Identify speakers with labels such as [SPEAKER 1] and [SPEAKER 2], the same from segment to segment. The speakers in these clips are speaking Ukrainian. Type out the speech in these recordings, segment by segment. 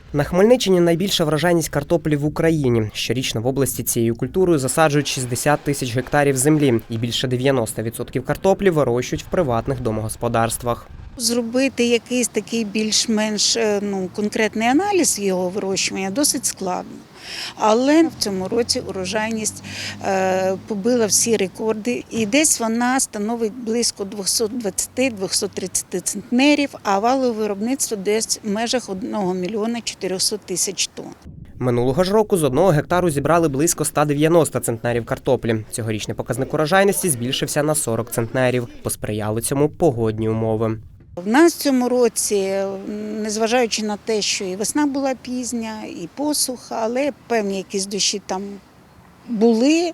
[SPEAKER 1] На Хмельниччині найбільша врожайність картоплі в Україні. Щорічно в області цією культурою засаджують 60 тисяч гектарів землі і більше 90% картоплі вирощують в приватних домогосподарствах.
[SPEAKER 2] Зробити якийсь такий більш-менш конкретний аналіз його вирощування досить складно. Але в цьому році урожайність побила всі рекорди, і десь вона становить близько 220-230 центнерів, а валове виробництво десь в межах 1 мільйона 400 тисяч тонн.
[SPEAKER 1] Минулого ж року з 1 гектару зібрали близько 190 центнерів картоплі. Цьогорічний показник урожайності збільшився на 40 центнерів. Посприяли цьому погодні умови.
[SPEAKER 2] В нас в цьому році, незважаючи на те, що і весна була пізня, і посуха, але певні якісь дощі там були,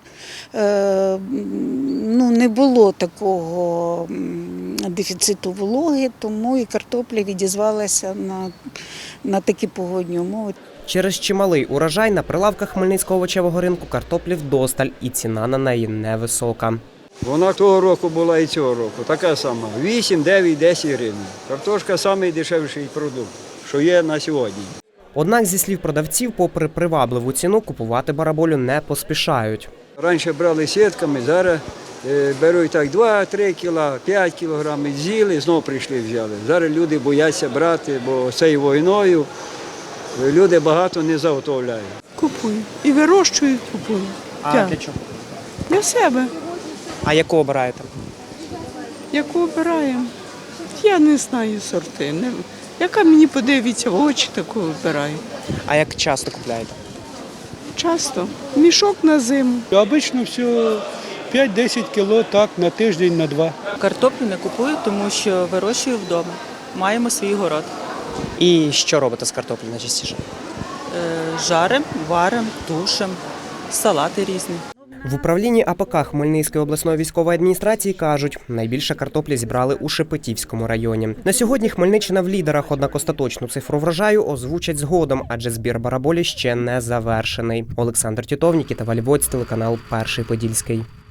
[SPEAKER 2] не було такого дефіциту вологи, тому і картопля відізвалася на такі погодні умови.
[SPEAKER 1] Через чималий урожай на прилавках Хмельницького овочевого ринку картоплі вдосталь, і ціна на неї невисока.
[SPEAKER 3] Вона того року була і цього року, така сама, 8, 9, 10 гривень. Картошка – найдешевший продукт, що є на сьогодні.
[SPEAKER 1] Однак, зі слів продавців, попри привабливу ціну, купувати бараболю не поспішають.
[SPEAKER 3] Раніше брали сітками, зараз беруть так 2-3 кіла, 5 кілограмів, з'їли, знову прийшли взяли. Зараз люди бояться брати, бо цією війною люди багато не заготовляють.
[SPEAKER 4] Купую. І вирощую, купую.
[SPEAKER 1] А для чого?
[SPEAKER 4] Для себе.
[SPEAKER 1] А яку обираєте?
[SPEAKER 4] Яку обираємо? Я не знаю сорти. Яка мені подивиться в очі, таку вибираю.
[SPEAKER 1] А як часто купляєте?
[SPEAKER 4] Часто. Мішок на зиму.
[SPEAKER 5] Обично все 5-10 кіло, так, на тиждень, на 2.
[SPEAKER 6] Картоплю не купую, тому що вирощую вдома. Маємо свій город.
[SPEAKER 1] І що робите з картоплею найчастіше?
[SPEAKER 6] Жарим, варим, тушим, салати різні.
[SPEAKER 1] В управлінні АПК Хмельницької обласної військової адміністрації кажуть, найбільше картоплі зібрали у Шепетівському районі. На сьогодні Хмельниччина в лідерах, однак остаточну цифру врожаю озвучать згодом, адже збір бараболі ще не завершений. Олександр Тітов, Нікіта Вальвоць, телеканал Перший Подільський.